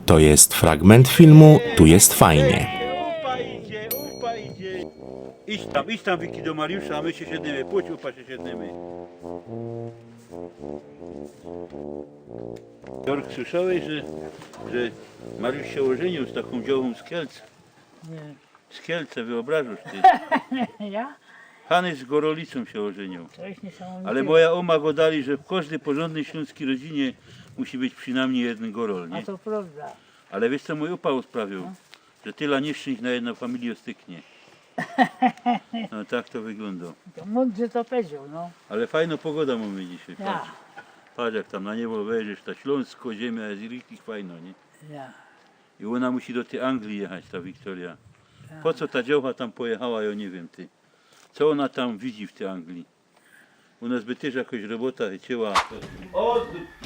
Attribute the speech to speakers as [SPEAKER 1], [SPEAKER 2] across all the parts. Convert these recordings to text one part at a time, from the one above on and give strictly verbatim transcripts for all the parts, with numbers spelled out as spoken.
[SPEAKER 1] To jest fragment filmu Tu jest fajnie.
[SPEAKER 2] Upa idzie, upa idzie. Idź tam, idź tam Wiki do Mariusza, a my się siedniemy. Pójdź, upa się siedniemy. Jork, słyszałeś, że, że Mariusz się ożenił z taką działą z Kielc?
[SPEAKER 3] Nie.
[SPEAKER 2] Z Kielce, wyobrażasz ty?
[SPEAKER 3] Ja?
[SPEAKER 2] Hany z Gorolicą się ożenił.
[SPEAKER 3] To jest niesamowite.
[SPEAKER 2] Ale moja oma go dali, że w każdej porządnej śląskiej rodzinie musi być przynajmniej jeden gorol,
[SPEAKER 3] A
[SPEAKER 2] nie?
[SPEAKER 3] to prawda.
[SPEAKER 2] Ale wiesz co mój upał sprawił? Że tyle nieszczęść na jedną familię styknie. No tak to wygląda.
[SPEAKER 3] To mądrze to powiedział, no.
[SPEAKER 2] Ale fajna pogoda mamy dzisiaj.
[SPEAKER 3] Ja.
[SPEAKER 2] Patrz, patrz jak tam na niebo wejdziesz, ta Śląsko, ziemia jest richtig fajna, nie?
[SPEAKER 3] Ja.
[SPEAKER 2] I ona musi do tej Anglii jechać, ta Wiktoria. Po co ta dziołcha tam pojechała, ja nie wiem ty. Co ona tam widzi w tej Anglii? U nas by też jakoś robota chyciła. O,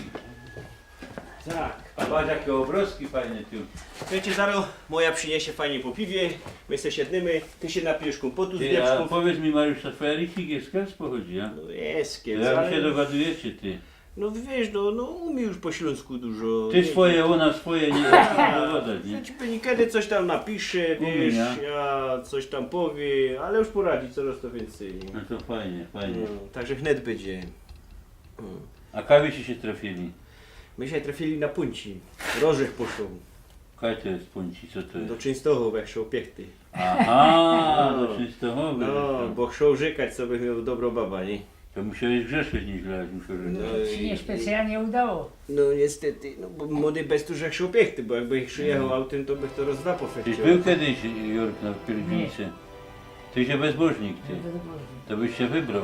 [SPEAKER 4] Tak.
[SPEAKER 2] a patrz jakie obrazki fajne tu.
[SPEAKER 4] Wiecie, zaraz moja przyniesie fajnie po piwie, my se siedniemy, ty się napijesz kompotu z
[SPEAKER 2] Ty, a
[SPEAKER 4] wieprzków.
[SPEAKER 2] powiedz mi Mariusz, ta twoja Richik z Kielc pochodzi, a?
[SPEAKER 4] No jest, kiec,
[SPEAKER 2] Jak
[SPEAKER 4] ale...
[SPEAKER 2] się dogadujecie ty?
[SPEAKER 4] No wiesz, no, no umie już po śląsku dużo.
[SPEAKER 2] Ty
[SPEAKER 4] nie-
[SPEAKER 2] swoje, ona swoje, nie da dogadać, nie?
[SPEAKER 4] Ja ci niekiedy coś tam napisze,
[SPEAKER 2] Umie,
[SPEAKER 4] wiesz,
[SPEAKER 2] nie?
[SPEAKER 4] ja coś tam powie, ale już poradzi coraz to więcej.
[SPEAKER 2] No to fajnie, fajnie.
[SPEAKER 4] No, także wnet będzie.
[SPEAKER 2] A kawici się trafili?
[SPEAKER 4] My się trafili na punci, rożech poszło,
[SPEAKER 2] Kaj to jest punci, co to
[SPEAKER 4] do
[SPEAKER 2] jest?
[SPEAKER 4] Częstochow, jak szło piechty.
[SPEAKER 2] Aha, do Częstochowy.
[SPEAKER 4] No, bo chciał rzekać, co by miał dobro baba, nie?
[SPEAKER 2] To musiałeś grzeszyć nieźle, jak muszę
[SPEAKER 4] No,
[SPEAKER 2] rzekać.
[SPEAKER 3] Się nie specjalnie udało.
[SPEAKER 4] No niestety, no bo młody bez tu jak szło piechty, bo jakby ich przyjechał
[SPEAKER 2] No.
[SPEAKER 4] autem, to bych to rozdrapał
[SPEAKER 2] Tyś
[SPEAKER 4] fekcie.
[SPEAKER 2] był kiedyś, Jork, na pielgrzymce? Ty się bezbożnik, ty.
[SPEAKER 3] Nie będę mówił.
[SPEAKER 2] To byś się wybrał.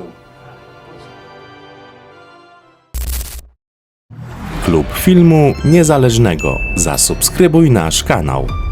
[SPEAKER 1] Klub Filmu Niezależnego. Zasubskrybuj nasz kanał.